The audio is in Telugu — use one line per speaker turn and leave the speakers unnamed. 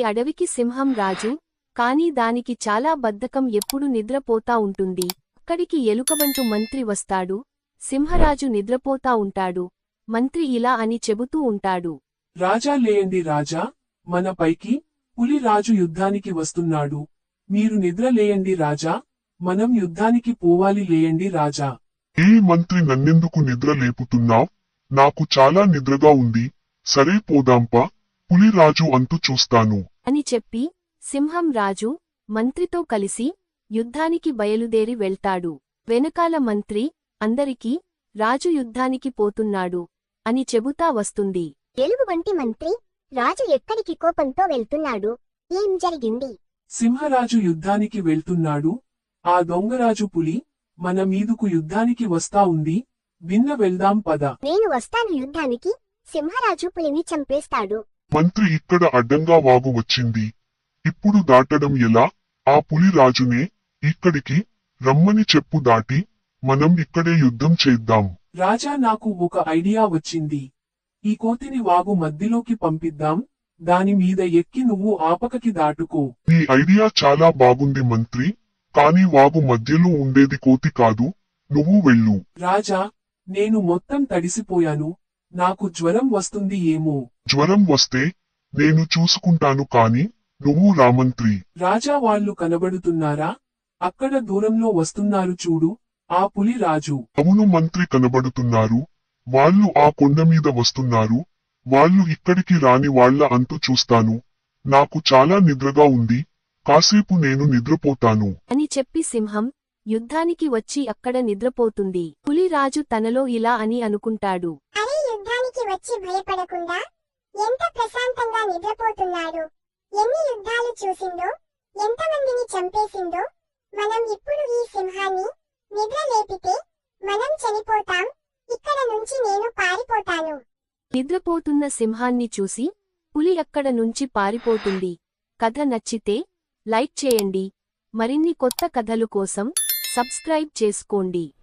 అడవికి సింహం రాజు, కాని దానికి చాలా బద్ధకం, ఎప్పుడు నిద్రపోతా ఉంటుంది. అక్కడికి ఎలుకబంటు మంత్రి వస్తాడు. సింహరాజు నిద్రపోతా ఉంటాడు. మంత్రి ఇలా అని చెబుతూ ఉంటాడు.
రాజా లేయండి రాజా, మన పైకి పులి రాజు యుద్ధానికి వస్తున్నాడు. మీరు నిద్ర లేయండి రాజా, మనం యుద్ధానికి పోవాలి, లేయండి రాజా.
ఏ మంత్రి, నన్నెందుకు నిద్ర లేపుతున్నావ్? నాకు చాలా నిద్రగా ఉంది. సరే పోదాంపా, పులిరాజు అంతు చూస్తాను
అని చెప్పి సింహం రాజు మంత్రితో కలిసి యుద్ధానికి బయలుదేరి వెళ్తాడు. వెనకాల మంత్రి అందరికీ రాజు యుద్ధానికి పోతున్నాడు అని చెబుతా వస్తుంది.
ఎలుగుబంటి మంత్రి, రాజు ఎక్కడికి కోపంతో వెళ్తున్నాడు? ఏం జరిగింది?
సింహరాజు యుద్ధానికి వెళ్తున్నాడు. ఆ దొంగరాజు పులి మన మీదుకు యుద్ధానికి వస్తా ఉంది. భిన్న వెళ్దాం పద.
నేను వస్తాను యుద్ధానికి. సింహరాజు పులిని చంపేస్తాడు.
మంత్రి, ఇక్కడ అడ్డంగా వాగు వచ్చింది. ఇప్పుడు దాటడం ఎలా? ఆ పులి రాజునే ఇక్కడికి రమ్మని చెప్పు, దాటి మనం ఇక్కడే యుద్ధం చేద్దాం.
రాజా, నాకు ఒక ఐడియా వచ్చింది. ఈ కోతిని వాగు మధ్యలోకి పంపిద్దాం. దాని మీద ఎక్కి నువ్వు ఆపకకి దాటుకో.
నీ ఐడియా చాలా బాగుంది మంత్రి, కాని వాగు మధ్యలో ఉండేది కోతి కాదు. నువ్వు వెళ్ళు.
రాజా, నేను మొత్తం తడిసిపోయాను. నాకు జ్వరం వస్తుంది ఏమో.
జ్వరం వస్తే నేను చూసుకుంటాను, కాని నువ్వు రామంత్రి.
రాజా, వాళ్ళు కనబడుతున్నారా? అక్కడ దూరంలో వస్తున్నారు చూడు, ఆ పులి రాజు.
అవును మంత్రి, కనబడుతున్నారు. వాళ్ళు ఆ కొండ మీద వస్తున్నారు. వాళ్ళు ఇక్కడికి రాని వాళ్ళ అంతు చూస్తాను. నాకు చాలా నిద్రగా ఉంది. కాసేపు నేను నిద్రపోతాను
అని చెప్పి సింహం యుద్ధానికి వచ్చి అక్కడ నిద్రపోతుంది. పులిరాజు తనలో ఇలా అని అనుకుంటాడు.
అరే, యుద్ధానికి వచ్చి భయపడకుండా ఎంత ప్రశాంతంగా నిద్రపోతున్నాడు. ఎన్ని యుద్ధాలు చూసిందో, ఎంతమందిని చంపేసిందో. మనం ఇప్పుడు ఈ సింహాన్ని నిద్ర లేపితే మనం చనిపోతాం. ఇక్కడ నుంచి నేను పారిపోతాను.
నిద్రపోతున్న సింహాన్ని చూసి పులి అక్కడ నుంచి పారిపోతుంది. కథ నచ్చితే లైక్ చేయండి. మరిన్ని కొత్త కథలు కోసం సబ్స్క్రైబ్ చేసుకోండి.